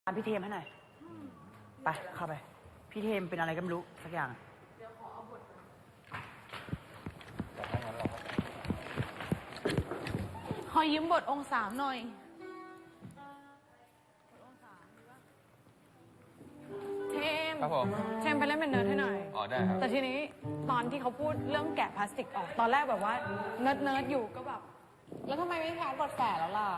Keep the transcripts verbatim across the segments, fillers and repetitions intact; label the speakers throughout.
Speaker 1: พี่เทมให้หน่อยไปเข้าไปพี่เทมเป็นอะไรก็ไม่รู้สักอย่างเดี๋ยวขอเอาบท
Speaker 2: แต่ถ้างั้นเราก็
Speaker 3: ขอยืมบทองค์สามหน่อยเทม
Speaker 2: ครับผม
Speaker 3: เทมไปเล่นเป็นเนิร์ดให้หน่อย
Speaker 2: อ๋อได้ครับ
Speaker 3: แต่ทีนี้ตอนที่เขาพูดเรื่องแกะพลาสติกออกตอนแรกแบบว่าเนิร์ดเนิร์ดอยู่ก็แบบ
Speaker 4: แล้วทำไมไม่แคสบทแฝดแล้วล่ะ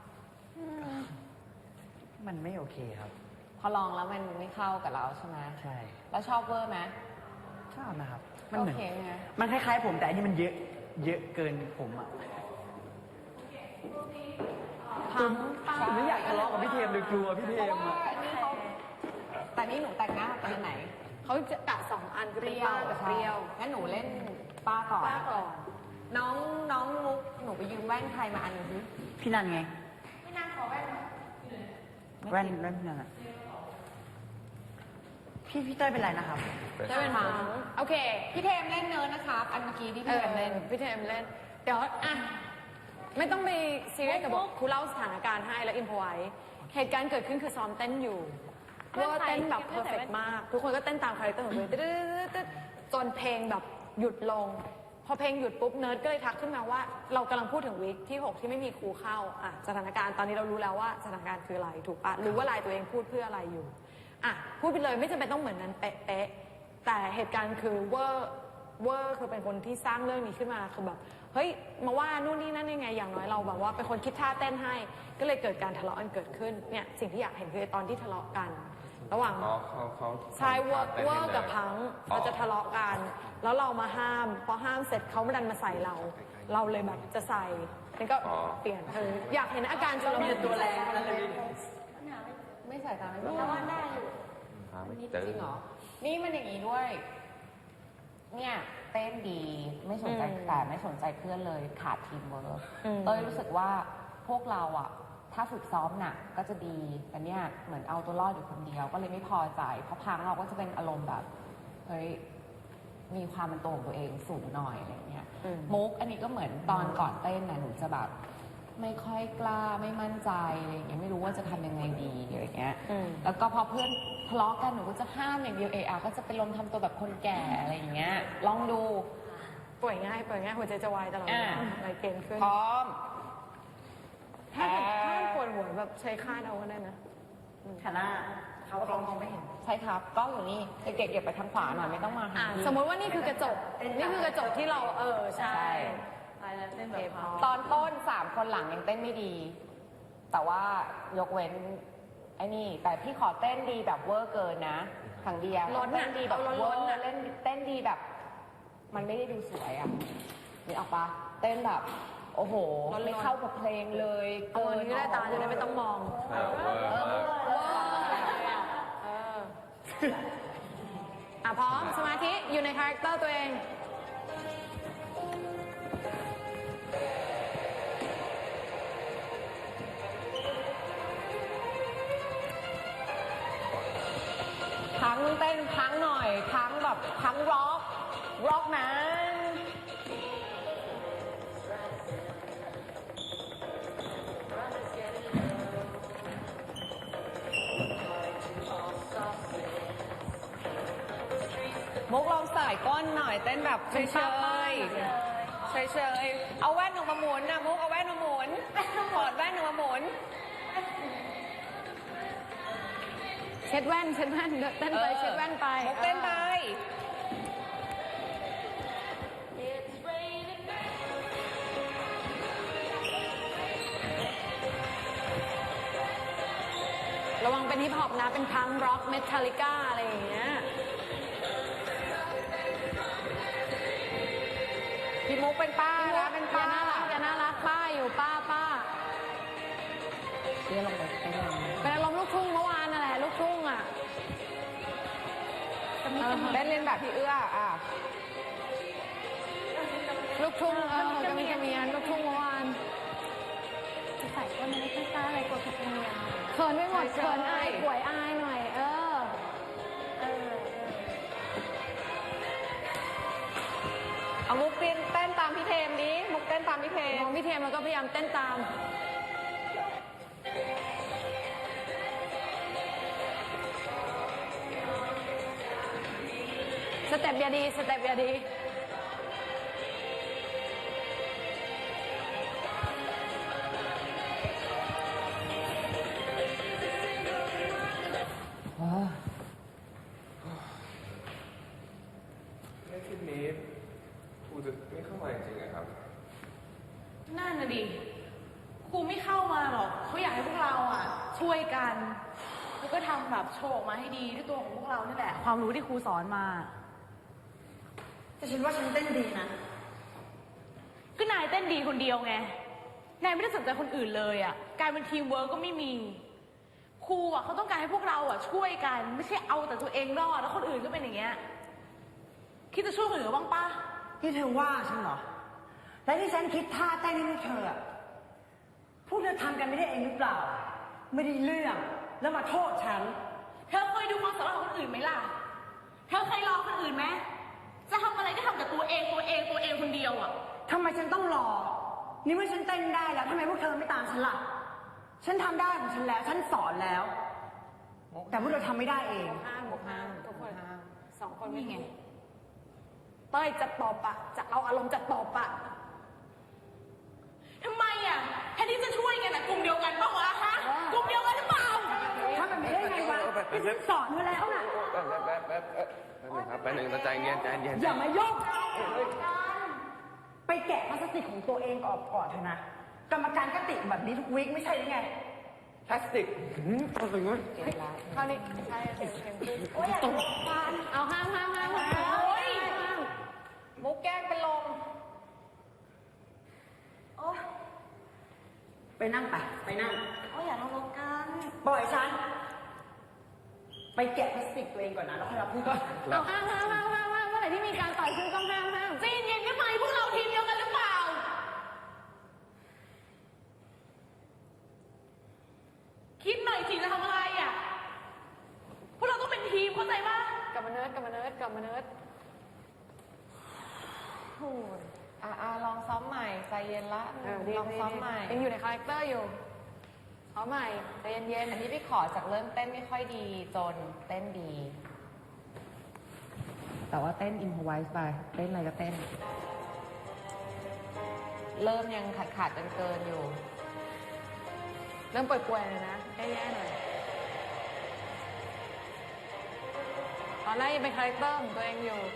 Speaker 1: มันไม่โอเคครับ
Speaker 4: พอลองแล้วมันไม่เข้ากับเราใช่ไหม
Speaker 1: ใช่
Speaker 4: แล้วชอบเวอร์ไหม
Speaker 1: ชอบนะครับมันเหมือน
Speaker 4: โอเคไง
Speaker 1: มันคล้ายๆผมแต่อันนี้มันเยอะเยอะเกินผมอ่ะ
Speaker 3: พัง
Speaker 1: ผมไม่อยากทะเลาะกับพี่เทมเลยกลัวพี่เทมอ่ะ
Speaker 4: แต่นี่หนูแต่งหน้าเป็นไหน
Speaker 3: เขาจะกะสองอันคือ
Speaker 4: เป
Speaker 3: เป็น
Speaker 4: รี้ยว
Speaker 3: ป้ากับเปรี้ยว
Speaker 4: งั้นหนูเล่นป้าก่อน
Speaker 3: ป้าก่อน
Speaker 4: น้องน้องมุกหนูไปยืมแว่นใครมาอันนึงสิ
Speaker 1: พี่นันไง
Speaker 4: พี่นันขอแว่น
Speaker 1: แว่นแว่นพี่นันอ่ะพี่พี่เต้ยเป็นไรนะครับ
Speaker 4: จะเป็นพังโอเคพี่เทมเล่นเนิร์ดนะครับอันเมื่อกี้ที่พี่เทมเล่น
Speaker 3: พี่เทมเล่นเดี๋ยวอ่ะไม่ต้องไปซีเรียสกับบทครูเล่าสถานการณ์ให้แล้วอินพอไว้เหตุการณ์เกิดขึ้นคือซ้อมเต้นอยู่เวอร์เต้นแบบเพอร์เฟกต์มากทุกคนก็เต้นตามคาแรคเตอร์ของตัวเองจนเพลงแบบหยุดลงพอเพลงหยุดปุ๊บเนิร์ดก็เลยทักขึ้นมาว่าเรากำลังพูดถึงวีคที่หกที่ไม่มีครูเข้าอ่ะสถานการณ์ตอนนี้เรารู้แล้วว่าสถานการณ์คืออะไรถูกปะรู้ว่าลายตัวเองพูดเพื่ออะไรอยู่อ่ะพูดไปเลยไม่จำเป็นต้องเหมือนนั้นเป๊ะๆแต่เหตุการณ์คือเวอร์เวอร์คือเป็นคนที่สร้างเรื่องนี้ขึ้นมาคือแบบเฮ้ยมาว่านู่นนี่นั่นยังไงอย่างน้อยเราแบบว่าเป็นคนคิดท่าเต้นให้ก็เลยเกิดการทะเลาะกันเกิดขึ้นเนี่ยสิ่งที่อยากเห็นคือตอนที่ทะเลาะกันระหว่างชายเวอร์เวอร์กับพังเขาจะทะเลาะกันแล้วเรามาห้ามพอห้ามเสร็จเขาไม่ดันมาใส่เราเราเลยแบบจะใส่นี่ก็เปลี่ยนเอออยากเห็นอาการชุลมุน
Speaker 1: ตัวแรงนั่นเลย
Speaker 4: ไม่ใส่ตามไม่ได้แต่ว่าได้อยู่จริงเหรอนี่มันอย่างนี้ด้วยเนี่ยเต้นดีไม่สนใจแต่ไม่สนใจเพื่อนเลยขาดทีมเวิร์กเต้ยรู้สึกว่าพวกเราอ่ะถ้าฝึกซ้อมหนักก็จะดีแต่เนี่ยเหมือนเอาตัวรอดอยู่คนเดียวก็เลยไม่พอใจเพราะพังเราก็จะเป็นอารมณ์แบบเฮ้ยมีความเป็นตัวของตัวเองสูงหน่อยอะไรเงี้ยมุกอันนี้ก็เหมือนตอนก่อนเต้นนะหนูจะแบบไม่ค่อยกล้าไม่มั่นใจอะไรเงี้ยไม่รู้ว่าจะทำยังไงดีอะไรเงี้ยแล้วก็พอเพื่อนทะเลาะกันหนูก็จะห้ามอย่างเดียวเออาก็จะเป็นลมทำตัวแบบคนแก่อะไรอย่างเงี้ยลองดู
Speaker 3: ป่วยง่ายป่วยง่ายหัวใจจะวายตลอดอะไรเกณฑ์ขึ้น
Speaker 4: พร้อม
Speaker 3: ถ้าถ้าปวดหัวแบบใช้คาดเอาก็ได้นะ
Speaker 1: ขาหน้าเขาเขามองไม่เห็น
Speaker 4: ใช่ครับกล้องอยู่นี่เด็กๆเก็บไปทางขวาหน่อยไม่ต้องมาหา
Speaker 3: สมมติว่านี่คือกระจกนี่คือกระจกที่เราเออใช่
Speaker 4: ตอนต้นสามคนหลังยังเต้นไม่ดีแต่ว่ายกเว้นไอ้นี่แต่พี่ขอเต้นดีแบบเวอร์เกินนะขังเดียเต้นดีแบบเวอร์เล่นเต้นดีแบบ มันไม่ได้ดูสวยอ่ะนี่ออกปะเต้นแบบโอ้โหไม่เข้ากับเพลงเลย
Speaker 3: เกินก็ได้ตาจะได้ไม่ต้องมองเอออ่ะพร้อมสมาธิอยู่ในคาแรคเตอร์ตัวเอง
Speaker 4: พังเต้นพังหน่อยพังแบบพังร็อกร็อกนะมุกลองใส่ก้นหน่อยเต้นแบบเฉยเฉยเฉยเฉยเอาแว่นออกมาหมุนนะมุกเอาแว่นมาหมุนถอดแว่นออกมาหมุน
Speaker 3: เช็ดแว่นเช็ดแว่นเต้นไปเช็ดแว่นไป
Speaker 4: มุกเต้นไ
Speaker 3: ประวังเป็นฮิปฮอปนะเป็นพังร็อกเมทัลลิก้าอะไรอย่างเงี้ย
Speaker 4: พี่มุกเป็นป้านะเป็นป้า
Speaker 3: น่ารักจะน่ารักป้าอยู่ป้าป้า
Speaker 4: เรียกลงไป
Speaker 3: เป็นอารมณ์ลูกทุ่งเมื่อวานนั่นแหละลูกทุ่งอ่ะ
Speaker 4: เล่นเล่นแบบพี่เอื้ออ่ะ
Speaker 3: ลูกทุ่งเออกระมีกระเมียนลูกทุ่งเมื่อวาน
Speaker 5: จะใส่ก็ไม่ได้ค่อยกล้าอะไรกลัวผิดธรรมเนียม
Speaker 3: เขินไม่หมดเขินอายป่วยอายหน่อยเออเออ
Speaker 4: เอามุกเต้นเต้นตามพี่เทมดิมุกเต้นตามพี่เทม
Speaker 3: มองพี่เทมแล้วก็พยายามเต้นตามเต็ปอย่าดีสเต็ปอย่าดี
Speaker 4: อ๋อ
Speaker 2: ในคลิปนี้ครูจะไม่เข้ามาจริงๆนะครับ
Speaker 6: นั่นน่ะดิ ครูไม่เข้ามาหรอก เขาอยากให้พวกเราอ่ะ ช่วยกัน แล้วก็ทำแบบโชว์ออกมาให้ดีด้วยตัวของพวกเรานี่แหละ ความรู้ที่ครูสอนมา
Speaker 1: แต่ฉันว่าฉันเต้นดีนะ
Speaker 6: ก็นายเต้นดีคนเดียวไง นายไม่ได้สนใจคนอื่นเลยอ่ะ การเป็นทีมเวิร์กก็ไม่มี ครูอ่ะเขาต้องการให้พวกเราอ่ะช่วยกัน ไม่ใช่เอาแต่ตัวเองรอดแล้วคนอื่นก็เป็นอย่างเงี้ย คิดจะช่วยคนอื่นบ้างปะ
Speaker 1: ที่เธอว่าฉันเหรอ และที่ฉันคิดท่าเต้นให้พวกเธออะพวกเธอทำกันไม่ได้เองหรือเปล่า ไม่ได้เรื่อง แล้วมาโทษฉัน
Speaker 6: เธอเคยดูความสามารถของคนอื่นไหมล่ะ เธอเคยรอคนอื่นไหม จะทำอะไรก็ทำแต่ตัวเองตัวเองตัวเองคนเดียวอ่ะ
Speaker 1: ทำไมฉันต้องรอ นี่เมื่อฉันเต้นได้แล้วทำไมพวกเธอไม่ตามฉันล่ะ ฉันทำได้ของฉันแล้ว ฉันสอนแล้ว แต่พวกเธอทำไม่ได้เอง
Speaker 3: ห้ามบวกห้ามทุกคนห้ามสองคนไม่ไงเต้ยจะตอบอะจะเอาอารมณ์จะตอบอะ
Speaker 6: ทำไมอ่ะแทนที่จะช่วยกันอ่ะกลุ่มเดียวกันปะวะฮะ กลุ่มเดียวกันหรือเปล่า
Speaker 1: ทำแบบนี้ได้ไงวะที่ฉันสอนมาแล้วน่ะ
Speaker 2: แป๊บแป๊บแป๊บแป๊บแป๊บหนึ่งครับแป๊บหนึ่งใจเย็นใจเย็น
Speaker 1: อย่ามายุ่งไปแกะพลาสติกของตัวเองออกก่อนเถอะนะ กรรมการก็ติแบบนี้ทุกวีคไม่ใช่หรือไง
Speaker 2: พลาสติกอะไรเงี้ย
Speaker 3: คราวนี้ใช่เต็มเต็มขึ้นโอ้ยตกเอาห้ามห้ามห้ามห้าม
Speaker 6: โอ๊ย
Speaker 3: มุกแกล้งเป็นลม
Speaker 1: ไปนั่งไป ไปนั่ง
Speaker 5: โอ้ยอย่าทะเลาะกัน
Speaker 1: ปล่อยฉัน ไปแกะพลาสติกตัวเองก่อนนะ แล้วค่อยรับพูดก่อน
Speaker 3: เอาห้ามห้ามห้ามห้ามห้ามเมื่อไหร่ที่มีการต่อยซึ่งต้องห้ามห้าม
Speaker 6: ใจเย็นๆได้ไหมพวกเราทีมเดียวกันหรือเปล่า คิดหน่อยสิจะทำอะไรอ่ะ พวกเราต้องเป็นทีมเข้าใจปะ
Speaker 3: กลับมาเนิร์ดกลับมาเนิร์ดกลับมาเนิร์ดโอ้ย
Speaker 4: อ่ะอ่ะลองซ้อมใหม่ใจเย็นละ
Speaker 3: เออดี
Speaker 4: ลอง
Speaker 3: ดี
Speaker 4: ซ้อม
Speaker 3: ดี
Speaker 4: ใหม่
Speaker 3: ยังอยู่ในคาแรคเตอร์อยู่เอาใหม่ใจเย็น
Speaker 4: อันนี้พี่ขอจากเริ่มเต้นไม่ค่อยดีจนเต้นดี แต่ว่าเต้นอินพไวส์ไปเต้นอะไรก็เต้น เริ่มยังขาดขาดเกินเกินๆอยู่
Speaker 3: ๆเริ่มป่วยๆเลยนะแย่ๆหน่อยตอนแรกยังเป็นคาแรคเตอร์ของตัวเองอยู่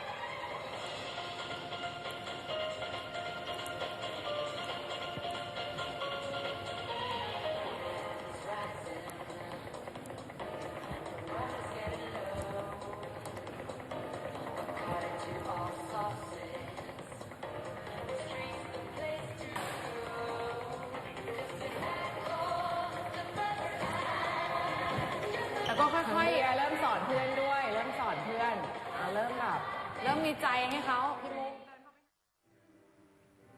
Speaker 3: แล้วก็ค่
Speaker 4: ค่
Speaker 3: อ
Speaker 4: อย
Speaker 3: ย
Speaker 4: ๆเริ่มสอนเพื่อนด้วย เริ่มสอนเพื่อนอ่ะเริ่มแบบ
Speaker 3: ๆ เริ่มมีใจให้เขา
Speaker 4: พี่โม